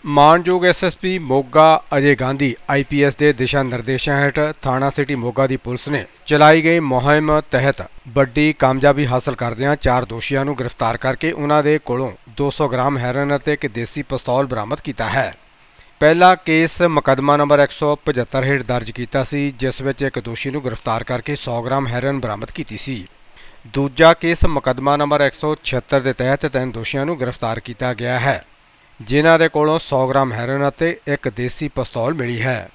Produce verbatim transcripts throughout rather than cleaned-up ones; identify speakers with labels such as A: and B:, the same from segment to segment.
A: ਮਾਣਯੋਗ S S P Moga Ajay Gandhi I P S ਦੇ ਦਿਸ਼ਾ ਨਿਰਦੇਸ਼ਾਂ ਹੇਠ ਥਾਣਾ ਸਿਟੀ ਮੋਗਾ ਦੀ ਪੁਲਿਸ ਨੇ ਚਲਾਈ ਗਈ ਮੁਹਿੰਮ ਤਹਿਤ ਵੱਡੀ ਕਾਮਯਾਬੀ ਹਾਸਲ ਕਰਦਿਆਂ ਚਾਰ ਦੋਸ਼ੀਆਂ ਨੂੰ ਗ੍ਰਿਫਤਾਰ ਕਰਕੇ ਉਨ੍ਹਾਂ ਦੇ ਕੋਲੋਂ ਦੋ ਸੌ ਗ੍ਰਾਮ ਹੈਰੋਇਨ ਅਤੇ ਇੱਕ ਦੇਸੀ ਪਿਸਤੌਲ ਬਰਾਮਦ ਕੀਤਾ ਹੈ। ਪਹਿਲਾ ਕੇਸ ਮੁਕੱਦਮਾ ਨੰਬਰ ਇੱਕ ਸੌ ਪਝੱਤਰ ਹੇਠ ਦਰਜ ਕੀਤਾ ਸੀ, ਜਿਸ ਵਿੱਚ ਇੱਕ ਦੋਸ਼ੀ ਨੂੰ ਗ੍ਰਿਫਤਾਰ ਕਰਕੇ ਸੌ ਗ੍ਰਾਮ ਹੈਰੋਇਨ ਬਰਾਮਦ ਕੀਤੀ ਸੀ। ਦੂਜਾ ਕੇਸ ਮੁਕੱਦਮਾ ਨੰਬਰ ਇੱਕ ਸੌ ਛਿਅੱਤਰ ਦੇ ਤਹਿਤ ਤਿੰਨ ਦੋਸ਼ੀਆਂ ਨੂੰ ਗ੍ਰਿਫਤਾਰ ਕੀਤਾ ਗਿਆ ਹੈ, ਜਿਨ੍ਹਾਂ ਦੇ ਕੋਲੋਂ ਸੌ ਗ੍ਰਾਮ ਹੈਰੋਇਨ ਅਤੇ ਇੱਕ ਦੇਸੀ ਪਿਸਤੌਲ ਮਿਲੀ ਹੈ।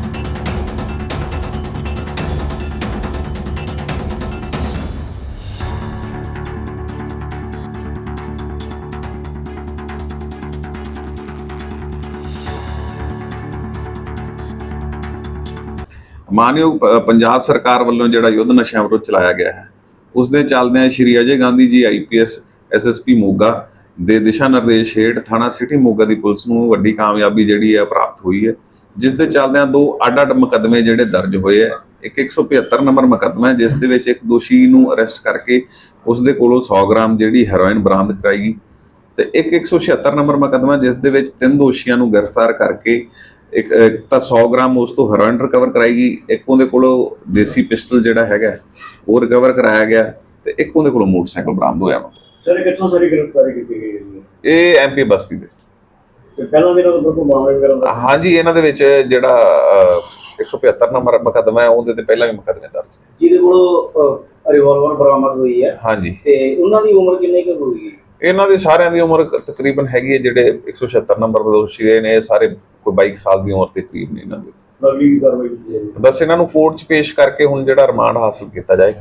B: ਮਾਨਯੋਗ ਪੰਜਾਬ ਸਰਕਾਰ ਵੱਲੋਂ ਜਿਹੜਾ ਯੁੱਧ ਨਸ਼ਿਆਂ ਵਿਰੁੱਧ ਚਲਾਇਆ ਗਿਆ ਹੈ, ਉਸ ਦੇ ਚੱਲਦਿਆਂ ਸ਼੍ਰੀ Ajay Gandhi ji I P S S S P Moga ਦੇ ਦਿਸ਼ਾ ਨਿਰਦੇਸ਼ ਹੇਠ ਥਾਣਾ ਸਿਟੀ ਮੋਗਾ ਦੀ ਪੁਲਿਸ ਨੂੰ ਵੱਡੀ ਕਾਮਯਾਬੀ ਜਿਹੜੀ ਹੈ ਪ੍ਰਾਪਤ ਹੋਈ ਹੈ, ਜਿਸ ਦੇ ਚੱਲਦਿਆਂ ਦੋ ਅੱਡ-ਅੱਡ ਮੁਕੱਦਮੇ ਜਿਹੜੇ ਦਰਜ ਹੋਏ ਹੈ। ਇੱਕ ਇੱਕ ਸੌ ਪਝੱਤਰ ਨੰਬਰ ਮੁਕੱਦਮਾ ਹੈ, ਜਿਸ ਦੇ ਵਿੱਚ ਇੱਕ ਦੋਸ਼ੀ ਨੂੰ ਅਰੈਸਟ ਕਰਕੇ ਉਸ ਦੇ ਕੋਲੋਂ ਸੌ ਗ੍ਰਾਮ ਜਿਹੜੀ ਹੈਰੋਇਨ ਬਰਾਮਦ ਕਰਾਈ ਗਈ, ਤੇ ਇੱਕ ਇੱਕ ਸੌ ਛਿਅੱਤਰ ਨੰਬਰ ਮੁਕੱਦਮਾ ਜਿਸ ਦੇ ਵਿੱਚ ਤਿੰਨ ਦੋਸ਼ੀਆਂ ਨੂੰ ਗ੍ਰਿਫਤਾਰ ਕਰਕੇ ਇੱਕ ਤਾਂ ਸੌ ਗ੍ਰਾਮ ਉਸ ਤੋਂ ਹੈਰੋਇਨ ਰਿਕਵਰ ਕਰਾਈ ਗਈ, ਇੱਕ ਉਹਦੇ ਕੋਲੋਂ ਦੇਸੀ ਪਿਸਟਲ ਜਿਹੜਾ ਹੈਗਾ ਉਹ ਰਿਕਵਰ ਕਰਾਇਆ ਗਿਆ, ਤੇ ਇੱਕ ਉਹਦੇ ਕੋਲੋਂ ਮੋਟਰਸਾਈਕਲ ਬਰਾਮਦ ਹੋਇਆ।
C: ਸਰ ਕਿੱਥੋਂ ਸਾਰੀ ਗ੍ਰਿਫਤਾਰੀ ਕੀਤੀ ਗਈ ਹੈ?
B: ਇਹ ਐਮ ਪੀ ਬਸਤੀ ਦੇ।
C: ਤੇ ਪਹਿਲਾਂ ਵੀ ਇਹਨਾਂ ਦਾ ਕੋਈ ਮਾਮਲਾ ਵਗੈਰਾ ਦਾ?
B: ਹਾਂਜੀ, ਇਹਨਾਂ ਦੇ ਵਿੱਚ ਜਿਹੜਾ ਇੱਕ ਸੌ ਪਝੱਤਰ ਨੰਬਰ ਮੁਕੱਦਮਾ ਹੈ, ਉਹਦੇ ਤੇ ਪਹਿਲਾਂ ਵੀ ਮੁਕੱਦਮੇ ਦਰਜ,
C: ਜਿਹਦੇ ਕੋਲੋਂ ਰਿਵਾਲਵਰ ਬਰਾਮਦ ਹੋਈ ਹੈ।
B: ਹਾਂਜੀ,
C: ਤੇ ਉਹਨਾਂ ਦੀ ਉਮਰ ਕਿੰਨੀ ਕੁ ਹੋਈ?
B: ਇਹਨਾਂ ਦੀ ਸਾਰਿਆਂ ਦੀ ਉਮਰ ਤਕਰੀਬਨ ਹੈਗੀ ਹੈ, ਜਿਹੜੇ ਇੱਕ ਸੌ ਛਿਅੱਤਰ ਨੰਬਰ ਦੇ ਦੋਸ਼ੀ ਨੇ, ਇਹ ਸਾਰੇ ਕੋਈ ਬਾਈ ਸਾਲ ਦੀ ਉਮਰ ਦੇ ਕਰੀਬ ਨੇ। ਇਹਨਾਂ ਦੀ
C: ਅਗਲੀ ਕਾਰਵਾਈ ਕੀਤੀ ਜਾਏਗੀ।
B: ਬਸ ਇਹਨਾਂ ਨੂੰ ਕੋਰਟ 'ਚ ਪੇਸ਼ ਕਰਕੇ ਹੁਣ ਜਿਹੜਾ ਰਿਮਾਂਡ ਹਾਸਲ ਕੀਤਾ ਜਾਏਗਾ।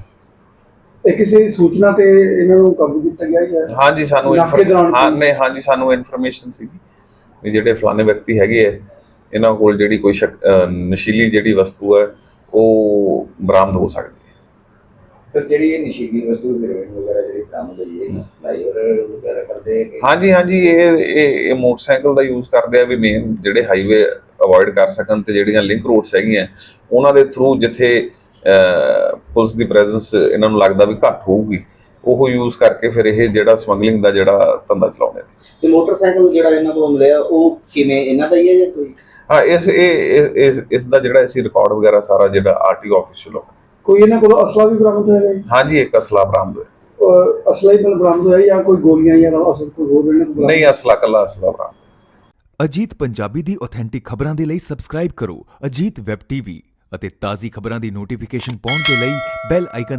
C: ਇਹ ਕਿਸੇ ਸੂਚਨਾ ਤੇ ਇਹਨਾਂ ਨੂੰ ਕਾਬੂ ਕੀਤਾ ਗਿਆ ਹੈ?
B: ਹਾਂਜੀ, ਸਾਨੂੰ
C: ਨਾਕੇ ਦੌਰਾਨ
B: ਹਾਂ ਨਹੀਂ ਹਾਂਜੀ ਸਾਨੂੰ ਇਨਫੋਰਮੇਸ਼ਨ ਸੀਗੀ ਵੀ ਜਿਹੜੇ ਫਲਾਣੇ ਵਿਅਕਤੀ ਹੈਗੇ ਹੈ, ਇਹਨਾਂ ਕੋਲ ਜਿਹੜੀ ਕੋਈ ਨਸ਼ੀਲੀ ਜਿਹੜੀ ਵਸਤੂ ਹੈ ਉਹ ਬਰਾਮਦ ਹੋ ਸਕਦੀ ਹੈ।
D: ਸਰ ਜਿਹੜੀ ਇਹ ਨਸ਼ੀਲੀ ਵਸਤੂ ਹੈਰੋਇਨ ਵਗੈਰਾ ਜਿਹੜੀ ਬਰਾਮਦ ਹੋਈ ਹੈ, ਸਪਲਾਈ ਵਗੈਰਾ ਕਰਦੇ ਹੈ?
B: ਹਾਂਜੀ ਹਾਂਜੀ ਇਹ ਇਹ ਇਹ ਮੋਟਰਸਾਈਕਲ ਦਾ ਯੂਜ਼ ਕਰਦੇ ਆ ਵੀ ਮੇਨ ਜਿਹੜੇ ਹਾਈਵੇ ਅਵੋਇਡ ਕਰ ਸਕਣ, ਤੇ ਜਿਹੜੀਆਂ ਲਿੰਕ ਰੋਡਸ ਹੈਗੀਆਂ ਉਹਨਾਂ ਦੇ ਥਰੂ ਜਿੱਥੇ ਪੁਲਿਸ ਦੀ ਪ੍ਰੈਜ਼ੈਂਸ ਇਹਨਾਂ ਨੂੰ ਲੱਗਦਾ ਵੀ ਘੱਟ ਹੋਊਗੀ, ਉਹ ਯੂਜ਼ ਕਰਕੇ ਫਿਰ ਇਹ ਜਿਹੜਾ ਸਮਗਲਿੰਗ ਦਾ ਜਿਹੜਾ ਧੰਦਾ ਚਲਾਉਂਦੇ ਨੇ।
C: ਤੇ ਮੋਟਰਸਾਈਕਲ ਜਿਹੜਾ ਇਹਨਾਂ ਕੋਲ ਮਿਲਿਆ ਉਹ ਕਿਵੇਂ ਇਹਨਾਂ ਦਾ ਹੀ ਹੈ ਜਾਂ ਕੋਈ?
B: ਹਾਂ, ਇਸ ਇਹ ਇਸ ਇਸ ਦਾ ਜਿਹੜਾ ਅਸੀਂ ਰਿਕਾਰਡ ਵਗੈਰਾ ਸਾਰਾ ਜਿਹੜਾ ਆਰ ਟੀ ਓ ਆਫਿਸ ਵੱਲੋਂ।
C: ਕੋਈ ਇਹਨਾਂ ਕੋਲ ਅਸਲਾ ਵੀ ਬਰਾਮਦ ਹੋਇਆ?
B: ਹਾਂਜੀ, ਇੱਕ ਅਸਲਾ ਬਰਾਮਦ ਹੋਇਆ।
C: ਅਸਲਾ ਹੀ ਬਰਾਮਦ ਹੋਇਆ ਜਾਂ ਕੋਈ ਗੋਲੀਆਂ ਜਾਂ ਅਸਲ ਕੋਈ ਹੋਰ ਇਹਨਾਂ ਕੋਲ?
B: ਨਹੀਂ, ਅਸਲਾ ਕੱਲਾ ਅਸਲਾ ਬਰਾਮਦ।
E: ਅਜੀਤ ਪੰਜਾਬੀ ਦੀ ਆਥੈਂਟਿਕ ਖਬਰਾਂ ਦੇ ਲਈ ਸਬਸਕ੍ਰਾਈਬ ਕਰੋ ਅਜੀਤ ਵੈਬ ਟੀਵੀ ਅਤੇ ਤਾਜ਼ੀ ਖਬਰਾਂ ਦੀ ਨੋਟੀਫਿਕੇਸ਼ਨ ਪਾਉਣ ਦੇ ਲਈ ਬੈਲ ਆਈਕਨ